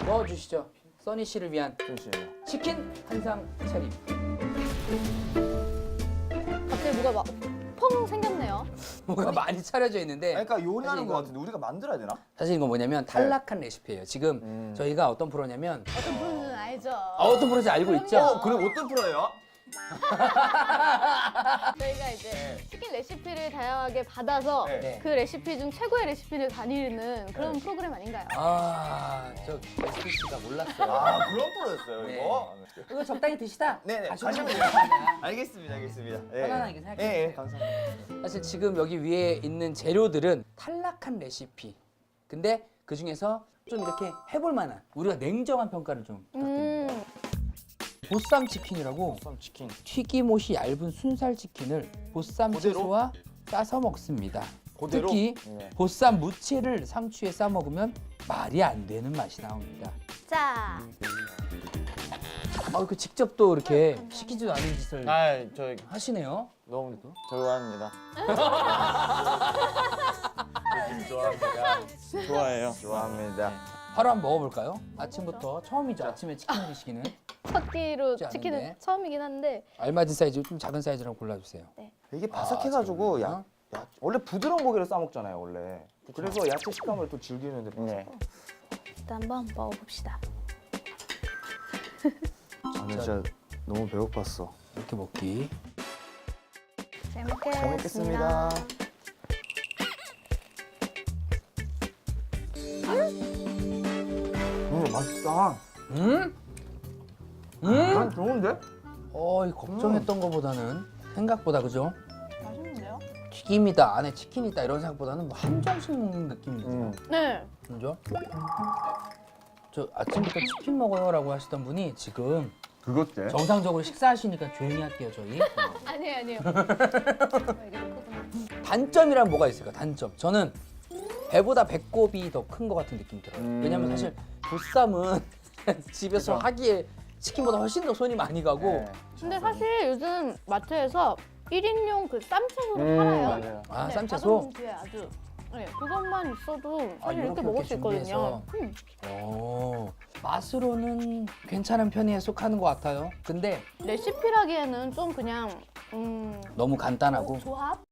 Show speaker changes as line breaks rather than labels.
넣어주시죠. 써니 씨를 위한
잠시만요.
치킨 한상 차림.
갑자기 뭐가 막 펑 생겼네요.
뭐가 많이 차려져 있는데
아니, 그러니까 요리하는
사실
거
이건-
같은데 우리가 만들어야 되나?
사실 이건 뭐냐면 탈락한 레시피예요. 지금 저희가 어떤 프로냐면
어떤 분은 알죠?
어떤 프로인지 알고 있죠?
그럼 어떤 프로예요?
저희가 이제 치킨 레시피를 다양하게 받아서
네.
그 레시피 중 최고의 레시피를 다니는 그런
네.
프로그램 아닌가요?
저 레시피 씨가 몰랐어요.
아, 그런 프로였어요,
네.
이거?
이거 적당히 드시다.
네네,
가시면
가시면 돼요.
됩니다.
알겠습니다, 알겠습니다.
편안하게 생각해
예, 예,
주세요.
감사합니다.
사실 지금 여기 위에 있는 재료들은 탈락한 레시피. 근데 그 중에서 좀 이렇게 해볼 만한 우리가 냉정한 평가를 좀 부탁드립니다. 보쌈 치킨이라고
쌈 치킨.
튀김옷이 얇은 순살 치킨을 보쌈
그대로?
채소와 싸서 먹습니다.
그대로?
특히
네.
보쌈 무채를 상추에 싸 먹으면 말이 안 되는 맛이 나옵니다.
자,
그 직접 또 이렇게 시키지도 않은 짓을
아, 저
하시네요.
너무 좋아합니다. 좋아합니다. 좋아해요. 좋아합니다.
바로 한번 먹어볼까요? 아침부터 처음이죠. 아침에 치킨 드시기는
첫 끼로
쉽지
치킨은
않은데.
처음이긴 한데
알맞은 사이즈, 좀 작은 사이즈로 한번 골라주세요.
이게 바삭해가지고
잠깐만요.
원래 부드러운 고기를 싸 먹잖아요, 원래. 그래서 야채 식감을 또 즐기는데. 네.
일단 한번 먹어봅시다.
저는 진짜 너무 배고팠어.
이렇게 먹기.
잘
잘 먹겠습니다. 맛있다. 난 좋은데?
이 걱정했던 것보다는 생각보다 그죠?
맛있는데요?
튀김이다, 안에 치킨이 있다 이런 생각보다는 뭐 한정식 먹는 느낌이죠.
네.
그죠? 저 아침부터 치킨 먹어요라고 하시던 분이 지금
그것째?
정상적으로 식사하시니까 조용히 할게요 저희.
아니에요.
단점이란 뭐가 있을까? 단점. 저는 배보다 배꼽이 더 큰 것 같은 느낌이 들어요. 왜냐면 사실 보쌈은 집에서
그죠.
하기에 치킨보다 훨씬 더 손이 많이 가고.
근데 사실 요즘 마트에서 1인용 그 쌈채소를 팔아요.
맞아요.
아,
네,
쌈채소?
가성비에 아주. 네, 그것만 있어도 사실
이렇게
이렇게 먹을 수 있거든요.
준비해서. 맛으로는 괜찮은 편에 속하는 것 같아요. 근데
레시피라기에는 좀 그냥
너무 간단하고
조합?